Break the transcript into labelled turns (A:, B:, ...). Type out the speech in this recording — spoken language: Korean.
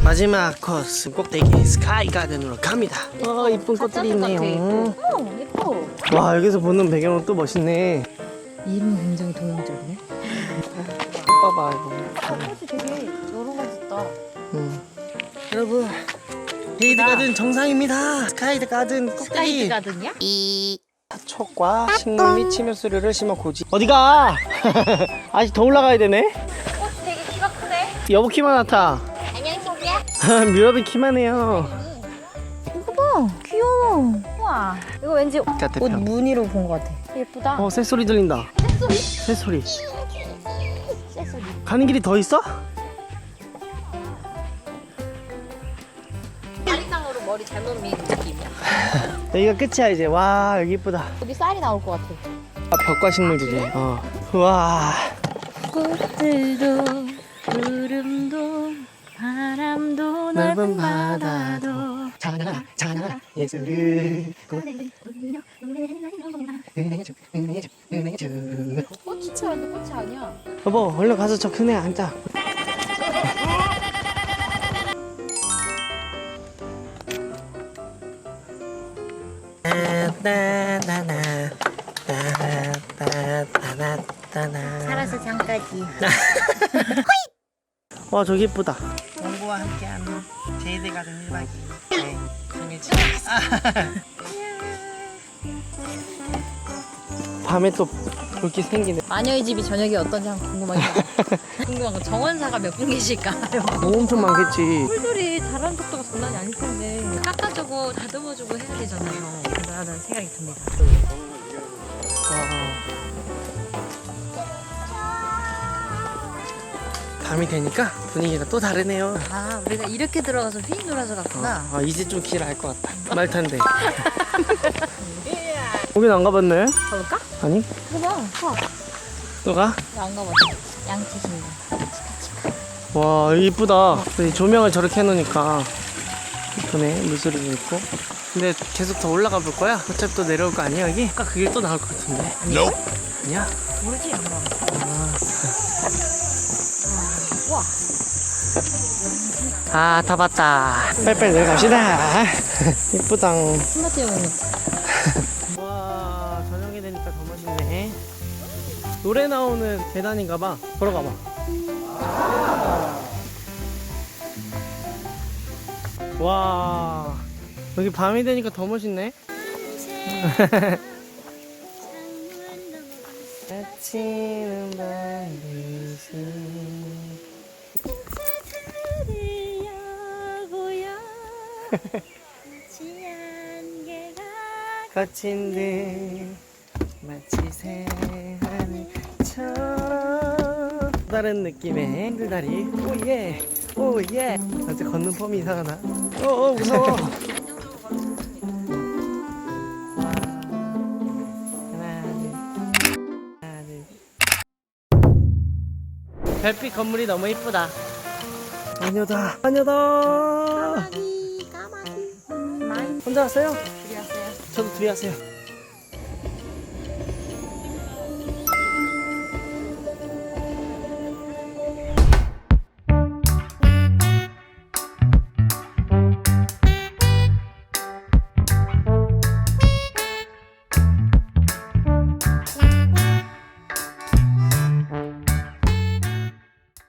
A: 마지막 코스 꼭대기 스카이 가든으로 갑니다. 이쁜 꽃들이 있네요.
B: 예뻐.
A: 와, 여기서 보는 배경은 또 멋있네.
B: 이름 굉장히 동양적이네.
A: 봐봐 이거.
B: 꽃이 되게 여러 가지 있다.
A: 여러분, 헤이드 가든 정상입니다. 스카이 가든 꼭대기.
B: 스카이드 가든이야?
A: 촉과 식물 및 침엽수류를 심어 고지. 어디가? 아직 더 올라가야 되네.
B: 꽃이 되게 키가 크네.
A: 여보 키만 같아.
B: 안녕 친구야.
A: 뮤럽이 키만 해요.
B: 이거 봐. 귀여워. 우와. 이거 왠지 옷
A: 따뜻함.
B: 무늬로 본 것 같아. 예쁘다.
A: 새소리 들린다.
B: 새소리?
A: 새소리.
B: 새소리.
A: 가는 길이 더 있어?
B: 쌀이상으로 머리 잘못 민 느낌이야.
A: 여기가 끝이야 이제. 와, 여기 이쁘다.
B: 여기 쌀이 나올 것 같아.
A: 벽과 식물들이. 우와.
B: 꽃들도 구름도 바람도
A: 넓은 바다도 찬양하라 찬양하라 예수를 은혜주 은혜주 은혜주.
B: 꽃이 치는데 꽃이 아니야.
A: 여보, 얼른 가서 저 큰애 앉자.
B: 살아서 장까지.
A: 와, 저기 이쁘다. 원고와 함께하는 제이드 가든 1박 2일. 네, 생일 축하. 밤에 또 볼 게 생기네.
B: 마녀의 집이 저녁에 어떤지 한번 궁금하긴 해. 궁금한 건 정원사가 몇 분 계실까?
A: 엄청 많겠지.
B: 풀들이 자란 속도가 장난이 아닐 텐데 깎아주고 다듬어주고 해야 되잖아요. 그러라는 생각이 듭니다.
A: 밤이 되니까 분위기가 또 다르네요.
B: 아, 우리가 이렇게 들어가서 휙 놀아서 갔구나.
A: 이제 좀 길 알 것 같다. 말 탄대. 거긴 안 가봤네?
B: 가볼까?
A: 아니?
B: 이거 봐.
A: 또 가?
B: 안 가봤어. 양치신다.
A: 와, 여기 이쁘다. 이 조명을 저렇게 해놓으니까 이쁘네. 물소리도 있고. 근데 계속 더 올라가 볼 거야? 어차피 또 내려올 거 아니야 여기? 아까 그 길 또 나올 것 같은데. 아니야?
B: 모르지? 안 가. 우와.
A: 다 봤다. 빨리빨리 내려갑시다. 이쁘다.
B: 스마트용이.
A: 와, 저녁이 되니까 더 멋있네. 노래 나오는 계단인가 봐. 걸어가 봐. 와, 여기 밤이 되니까 더 멋있네. 아침은 반드시 거친 듯 마치 새하늘처럼 다른 느낌의 힘들다리. 오예 오예. 어째 걷는 폼이 이상하나? 무서워. 하나 둘. 별빛 건물이 너무 이쁘다. 마녀다 마녀다.
B: 까마귀.
A: 혼자 왔어요?
B: 둘이 왔어요.
A: 저도 둘이 왔어요.